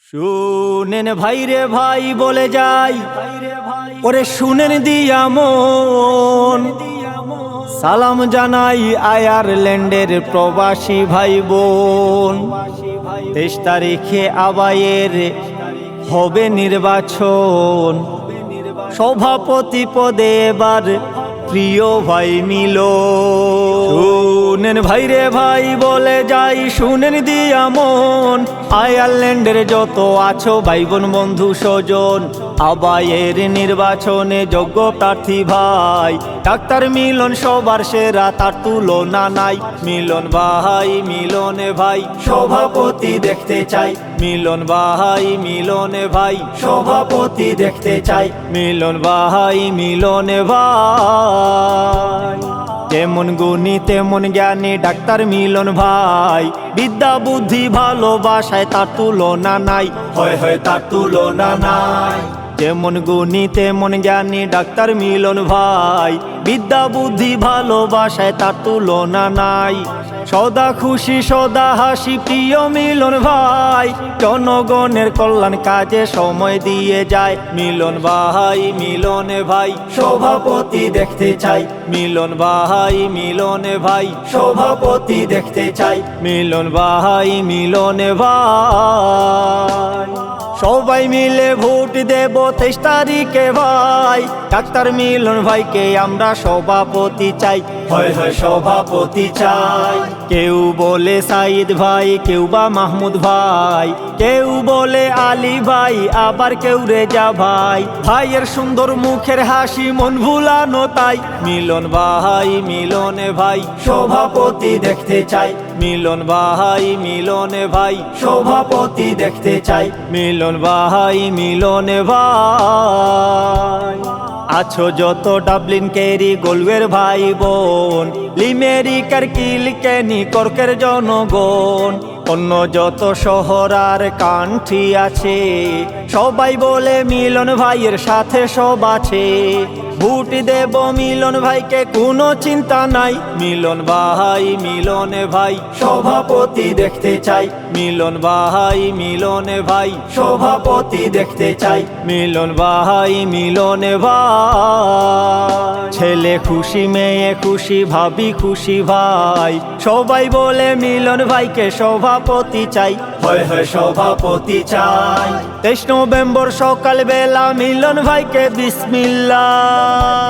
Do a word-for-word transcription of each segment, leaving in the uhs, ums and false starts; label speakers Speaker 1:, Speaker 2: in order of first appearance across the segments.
Speaker 1: শুনেন ভাই রে ভাই বলে যাই, ওরে শুনেন দিয়া মন, সালাম জানাই আয়ারল্যান্ডের প্রবাসী ভাই বোন। তেইশ তারিখে আবায়ের হবে নির্বাচন, সভাপতি পদে এবার প্রিয় ভাই মিলন। শুনেন ভাই রে ভাই বলে যাই, শুনেন দিয়া মন, আয়ারল্যান্ডের যত আছো ভাই বোন বন্ধু স্বজন, আবায়ের নির্বাচনে যোগ্য প্রার্থী ভাই ডাক্তার মিলন সবার সেরা, তার তুলনা নাই। মিলন ভাই মিলনে ভাই সভাপতি দেখতে চাই, মিলন ভাই মিলনে ভাই সভাপতি দেখতে চাই, মিলন ভাই মিলনে ভাই। যেমন গুণী তেমন জ্ঞানী ডাক্তার মিলন ভাই, বিদ্যা বুদ্ধি ভালোবাসায় তার তুলনা নাই, হয় হয় তার তুলনা নাই। যেমন গুণী তেমন জ্ঞানী ডাক্তার মিলন ভাই, বিদ্যা বুদ্ধি ভালোবাসায় তার তুলনা নাই। সদা খুশি সদা হাসি প্রিয় মিলন ভাই, জনগণের কল্যাণ কাজে সময় দিয়ে যায়। মিলন ভাই মিলনে ভাই সভাপতি দেখতে চাই, মিলন ভাই মিলনে ভাই সভাপতি দেখতে চাই, মিলন ভাই মিলনে ভাই। সবাই মিলে ভোট দেব তেইশ তারিখে ভাই, ডাক্তার মিলন ভাইকে আমরা সভাপতি চাই, হয় হয় সভাপতি চাই। কেউ বলে সাইদ ভাই, কেউ বা মাহমুদ ভাই, কেউ বলে আলী ভাই, আবার কেউ রেজা ভাই। ভাইয়ের সুন্দর মুখের হাসি মন ভুলানো তাই, মিলন ভাই মিলনে ভাই সভাপতি দেখতে চাই, মিলন ভাই মিলনে ভাই সভাপতি দেখতে চাই, মিলন ভাই মিলনে ভাই। আছো যত ডাবলিন কেরি গোলওয়ের ভাই বোন, লিমেরিকার কিলকেনি কর্কের জনগণ, অন্য যত শহর আর কান্ট্রি আছে, সবাই বলে মিলন ভাইয়ের সাথে সব আছে। ভোট দেব মিলন ভাইকে কোনো চিন্তা নাই, মিলন ভাই মিলনে ভাই সভাপতি দেখতে চাই, মিলন ভাই মিলনে ভাই সভাপতি দেখতে চাই, মিলন ভাই মিলনে ভাই। ছেলে খুশি মেয়ে খুশি ভাবি খুশি ভাই, সবাই বলে মিলন ভাইকে সভাপতি চাই, হয় হয় সভাপতি চাই। তেইশ নভেম্বর সকাল বেলা মিলন ভাইকে বিসমিল্লাহ,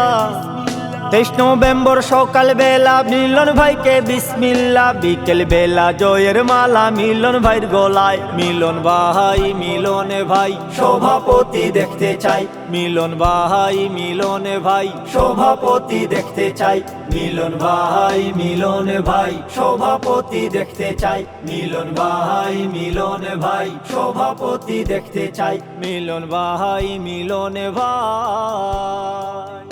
Speaker 1: তেইশ নভেম্বর সকাল বেলা মিলন ভাইকে বিসমিল্লাহ, বিকেল বেলা জয়ের মালা মিলন ভাইয়ের গলায়। মিলন ভাই মিলনে ভাই সভাপতি দেখতে চাই, মিলন ভাই মিলনে ভাই সভাপতি দেখতে চাই, মিলন ভাই মিলনে ভাই সভাপতি দেখতে চাই, মিলন ভাই মিলনে ভাই সভাপতি দেখতে চাই, মিলন ভাই মিলনে ভাই।